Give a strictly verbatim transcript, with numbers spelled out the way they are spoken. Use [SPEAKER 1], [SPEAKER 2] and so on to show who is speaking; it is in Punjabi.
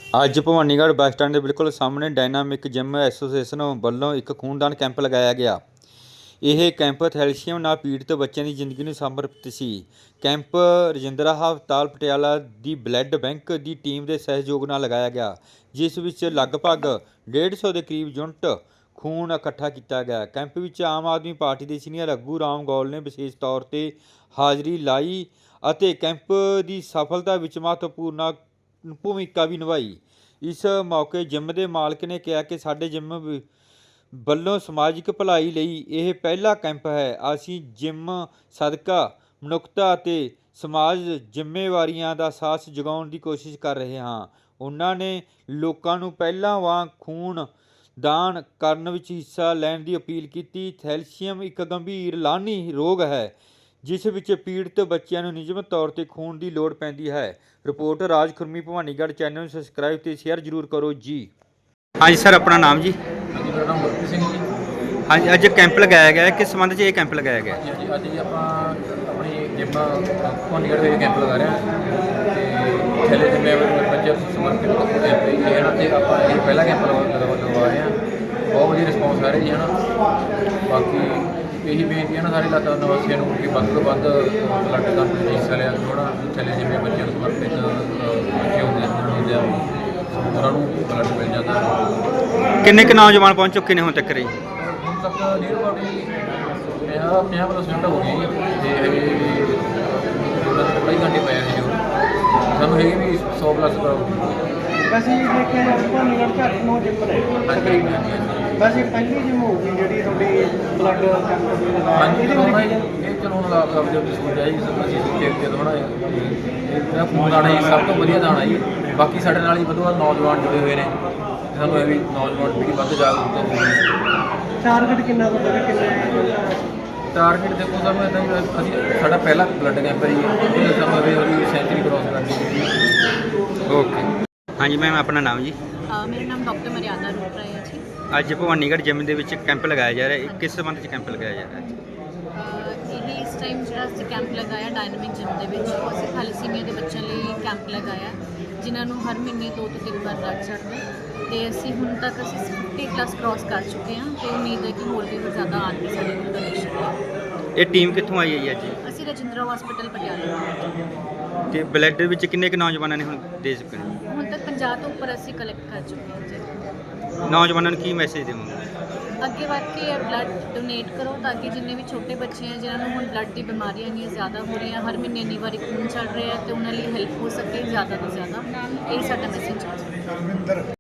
[SPEAKER 1] ਅੱਜ ਭਵਾਨੀਗੜ੍ਹ ਬੱਸ ਸਟੈਂਡ ਦੇ ਬਿਲਕੁਲ ਸਾਹਮਣੇ ਡਾਇਨਾਮਿਕ ਜਿਮ ਐਸੋਸੀਏਸ਼ਨ ਵੱਲੋਂ ਇੱਕ ਖੂਨਦਾਨ ਕੈਂਪ ਲਗਾਇਆ ਗਿਆ। ਇਹ ਕੈਂਪ ਥੈਲੇਸੀਮੀਆ ਨਾਲ ਪੀੜਤ ਬੱਚਿਆਂ ਦੀ ਜ਼ਿੰਦਗੀ ਨੂੰ ਸਮਰਪਿਤ ਸੀ। ਕੈਂਪ ਰਜਿੰਦਰਾ ਹਸਪਤਾਲ ਪਟਿਆਲਾ ਦੀ ਬਲੱਡ ਬੈਂਕ ਦੀ ਟੀਮ ਦੇ ਸਹਿਯੋਗ ਨਾਲ ਲਗਾਇਆ ਗਿਆ, ਜਿਸ ਵਿੱਚ ਲਗਭਗ ਡੇਢ ਸੌ ਦੇ ਕਰੀਬ ਯੂਨਿਟ ਖੂਨ ਇਕੱਠਾ ਕੀਤਾ ਗਿਆ। ਕੈਂਪ ਵਿੱਚ ਆਮ ਆਦਮੀ ਪਾਰਟੀ ਦੇ ਸੀਨੀਅਰ ਆਗੂ ਰਾਮ ਗੌਲ ਨੇ ਵਿਸ਼ੇਸ਼ ਤੌਰ 'ਤੇ ਹਾਜ਼ਰੀ ਲਾਈ ਅਤੇ ਕੈਂਪ ਦੀ ਸਫਲਤਾ ਵਿੱਚ ਮਹੱਤਵਪੂਰਨ ਭੂਮਿਕਾ ਵੀ ਨਿਭਾਈ। ਇਸ ਮੌਕੇ ਜਿਮ ਦੇ ਮਾਲਕ ਨੇ ਕਿਹਾ ਕਿ ਸਾਡੇ ਜਿਮ ਵੱਲੋਂ ਸਮਾਜਿਕ ਭਲਾਈ ਲਈ ਇਹ ਪਹਿਲਾ ਕੈਂਪ ਹੈ। ਅਸੀਂ ਜਿਮ ਸਦਕਾ ਮਨੁੱਖਤਾ ਅਤੇ ਸਮਾਜ ਜ਼ਿੰਮੇਵਾਰੀਆਂ ਦਾ ਸਾਹਸ ਜਗਾਉਣ ਦੀ ਕੋਸ਼ਿਸ਼ ਕਰ ਰਹੇ ਹਾਂ। ਉਹਨਾਂ ਨੇ ਲੋਕਾਂ ਨੂੰ ਪਹਿਲਾਂ ਵਾਂਗ ਖੂਨ ਦਾਨ ਕਰਨ ਵਿੱਚ ਹਿੱਸਾ ਲੈਣ ਦੀ ਅਪੀਲ ਕੀਤੀ। ਥੈਲੇਸੀਮੀਆ ਇੱਕ ਗੰਭੀਰ ਲਾਹਨੀ ਰੋਗ ਹੈ ਜਿਸ ਵਿੱਚ ਪੀੜਤ ਬੱਚਿਆਂ ਨੂੰ ਨਿਯਮਿਤ ਤੌਰ 'ਤੇ ਖੂਨ ਦੀ ਲੋੜ ਪੈਂਦੀ ਹੈ। ਰਿਪੋਰਟ ਰਾਜ ਖੁਰਮੀ ਭਵਾਨੀਗੜ੍ਹ। ਚੈਨਲ ਨੂੰ ਸਬਸਕ੍ਰਾਈਬ ਤੇ ਸ਼ੇਅਰ ਜ਼ਰੂਰ ਕਰੋ ਜੀ। ਹਾਂਜੀ ਸਰ, ਆਪਣਾ ਨਾਮ ਜੀ?
[SPEAKER 2] ਹਾਂਜੀ, ਮੇਰਾ ਨਾਮ ਗੁਰਪ੍ਰੀਤ ਸਿੰਘ ਜੀ।
[SPEAKER 1] ਹਾਂਜੀ, ਅੱਜ ਕੈਂਪ ਲਗਾਇਆ ਗਿਆ ਹੈ, ਕਿਸ ਸੰਬੰਧ 'ਚ ਇਹ ਕੈਂਪ ਲਗਾਇਆ ਗਿਆ?
[SPEAKER 2] ਹਾਂਜੀ ਹਾਂਜੀ, ਅੱਜ ਜੀ ਆਪਾਂ ਆਪਣੀ ਜਿਮ ਭਵਾਨੀਗੜ੍ਹ ਵਿੱਚ ਕੈਂਪ ਲਗਾ ਰਹੇ ਹਾਂ ਅਤੇ ਥੈਲੇਸੀਮੀਆ ਬੱਚਿਆਂ ਨੂੰ ਸਮਰਪਿਤ ਕੈਂਪ ਇਹ ਹੈ ਨਾ, ਅਤੇ ਆਪਾਂ ਇਹ ਪਹਿਲਾ ਕੈਂਪ ਲਗਾ ਲਗਵਾ ਰਹੇ ਹਾਂ। ਬਹੁਤ ਵਧੀਆ ਰਿਸਪੌਂਸ ਆ ਰਿਹਾ ਜੀ ਹੈ ਨਾ। ਬਾਕੀ ਇਹੀ ਬੇਨਤੀ ਹੈ ਨਾ ਸਾਰੇ ਇਲਾਕਾ ਨਿਵਾਸੀਆਂ ਨੂੰ ਕਿ ਵੱਧ ਤੋਂ ਵੱਧ ਬਲੱਡ ਦਾਨ ਵਿੱਚ ਹਿੱਸਾ ਲਿਆ ਥੋੜ੍ਹਾ। ਥੈਲੇਸੀਮੀਆ ਬੱਚਿਆਂ ਨੂੰ ਸਮਰਪਿਤ ਬੱਚੇ ਹੁੰਦੇ ਹੁੰਦੇ ਆ, ਉਹਨਾਂ ਨੂੰ ਬਲੱਡ ਮਿਲ ਜਾਂਦਾ।
[SPEAKER 1] ਕਿੰਨੇ ਕੁ ਨੌਜਵਾਨ ਪਹੁੰਚ ਚੁੱਕੇ ਨੇ ਹੁਣ ਤੱਕ ਜੀ?
[SPEAKER 2] ਹੁਣ ਤੱਕ ਨੀਅਰ ਅਬਾਊਟ ਪੰਜਾਹ ਪੰਜਾਹ ਪਰਸੈਂਟ ਹੋ ਗਈ ਜੀ, ਅਤੇ ਕਈ ਘੰਟੇ ਪਏ ਸੀ ਜੋ ਸਾਨੂੰ ਹੈਗੀ ਵੀ ਸੌ ਪਲੱਸ
[SPEAKER 3] ਵੈਸੇ ਇਹ ਦੇਖਿਆ ਜਾਵੇ ਭਵਾਨੀਗੜ੍ਹ 'ਚ ਅੱਠ ਨੌ ਜਿਮ ਨੇ।
[SPEAKER 2] ਹਾਂਜੀ
[SPEAKER 3] ਵੈਸੇ ਪਹਿਲੀ ਜਿਮ ਹੋਊਗੀ ਜਿਹੜੀ ਤੁਹਾਡੀ ਬਲੱਡ ਕੈਂਪ ਲਗਾਇਆ।
[SPEAKER 2] ਹਾਂਜੀ, ਚਲਾਉਣਾ ਜੀ ਇਹ ਚਲਾਉਣ ਦਾ ਆਪ ਜੋ ਸੋਚਿਆ ਜੀ ਅਸੀਂ ਸੋਚਿਆ ਕਿ ਥੋੜ੍ਹਾ ਇਹਦਾ ਖੂਨ ਦਾਣਾ ਜੀ ਸਭ ਤੋਂ ਵਧੀਆ ਦਾਣਾ ਜੀ। ਬਾਕੀ ਸਾਡੇ ਨਾਲ ਹੀ ਵਧੀਆ ਨੌਜਵਾਨ ਜੁੜੇ ਹੋਏ ਨੇ, ਸਾਨੂੰ ਇਹ ਵੀ ਨੌਜਵਾਨ ਪੀੜ੍ਹੀ ਵੱਧ ਜਾਗਰੂਕਤਾ ਹੋਊਗੀ।
[SPEAKER 3] ਟਾਰਗੇਟ ਕਿੰਨਾ ਤੁਹਾਡਾ, ਕਿੰਨੇ
[SPEAKER 2] ਟਾਰਗੇਟ ਦੇਖੋ ਸਾਨੂੰ ਇੱਦਾਂ ਹੀ ਅਸੀਂ ਸਾਡਾ ਪਹਿਲਾ ਬਲੱਡ ਕੈਂਪ ਹੈ ਜੀ, ਇਹਦੇ ਸਾਨੂੰ ਉਹਦੀ ਸੈਂਚੁਰੀ ਕ੍ਰੋਸ ਕਰਨੀ ਹੈ।
[SPEAKER 1] ਓਕੇ। ਹਾਂਜੀ ਮੈਮ, ਆਪਣਾ ਨਾਮ ਜੀ?
[SPEAKER 4] ਮੇਰਾ ਨਾਮ ਡਾਕਟਰ ਮਰਿਆਦਾ ਰੂਪਰਾ ਹੈ ਜੀ।
[SPEAKER 1] ਅੱਜ ਭਵਾਨੀਗੜ੍ਹ ਜਿਮ ਦੇ ਵਿੱਚ ਕੈਂਪ ਲਗਾਇਆ ਜਾ ਰਿਹਾ ਹੈ, ਕਿਸ ਸੰਬੰਧ 'ਚ ਕੈਂਪ ਲਗਾਇਆ ਜਾ ਰਿਹਾ ਹੈ?
[SPEAKER 4] ਇਹ ਇਸ ਟਾਈਮ ਜਿਹੜਾ ਅਸੀਂ ਕੈਂਪ ਲਗਾਇਆ ਡਾਇਨਾਮਿਕ ਜਿਮ ਦੇ ਵਿੱਚ, ਉਹ ਅਸੀਂ ਥੈਲੇਸੀਮੀਆ ਦੇ ਬੱਚਿਆਂ ਲਈ ਕੈਂਪ ਲਗਾਇਆ ਜਿਨ੍ਹਾਂ ਨੂੰ ਹਰ ਮਹੀਨੇ ਦੋ ਤੋਂ ਤਿੰਨ ਵਾਰ ਬਲੱਡ ਚੜ੍ਹਦਾ, ਅਤੇ ਅਸੀਂ ਹੁਣ ਤੱਕ ਅਸੀਂ ਫਿਫਟੀ ਪਲੱਸ ਕ੍ਰੋਸ ਕਰ ਚੁੱਕੇ ਹਾਂ ਅਤੇ ਉਮੀਦ ਹੈ ਕਿ ਹੋਰ ਵੀ ਜ਼ਿਆਦਾ ਆਉਣਗੇ ਸਾਡੇ ਕੋਲ ਡੋਨੇਸ਼ਨ।
[SPEAKER 1] ਇਹ ਟੀਮ ਕਿੱਥੋਂ ਆਈ ਹੈ ਜੀ ਅੱਜ?
[SPEAKER 4] ਅਸੀਂ ਰਜਿੰਦਰਾ ਹਸਪਤਾਲ ਪਟਿਆਲਾ।
[SPEAKER 1] ਅਤੇ ਬਲੱਡ ਵਿੱਚ ਕਿੰਨੇ ਕੁ ਨੌਜਵਾਨਾਂ ਨੇ ਹੁਣ ਦੇ ਚੁੱਕੇ ਨੇ?
[SPEAKER 4] ਹੁਣ ਤੱਕ ਪੰਜਾਹ ਤੋਂ ਉੱਪਰ ਅਸੀਂ ਕਲੈਕਟ ਕਰ ਚੁੱਕੇ ਹਾਂ ਜੀ।
[SPEAKER 1] ਨੌਜਵਾਨਾਂ ਨੂੰ ਕੀ ਮੈਸੇਜ ਦੇਵੋਗੇ?
[SPEAKER 4] ਅੱਗੇ ਵੱਧ ਕੇ ਬਲੱਡ ਡੋਨੇਟ ਕਰੋ ਤਾਂ ਕਿ ਜਿੰਨੇ ਵੀ ਛੋਟੇ ਬੱਚੇ ਹੈ ਜਿਨ੍ਹਾਂ ਨੂੰ ਹੁਣ ਬਲੱਡ ਦੀ ਬਿਮਾਰੀਆਂ ਇੰਨੀਆਂ ਜ਼ਿਆਦਾ ਹੋ ਰਹੀਆਂ, ਹਰ ਮਹੀਨੇ ਇੰਨੀ ਵਾਰੀ ਖੂਨ ਚੜ੍ਹ ਰਿਹਾ, ਅਤੇ ਉਹਨਾਂ ਲਈ ਹੈਲਪ ਹੋ ਸਕੇ ਜ਼ਿਆਦਾ ਤੋਂ ਜ਼ਿਆਦਾ। ਇਹ ਸਾਡਾ ਮੈਸੇਜ ਹੈ।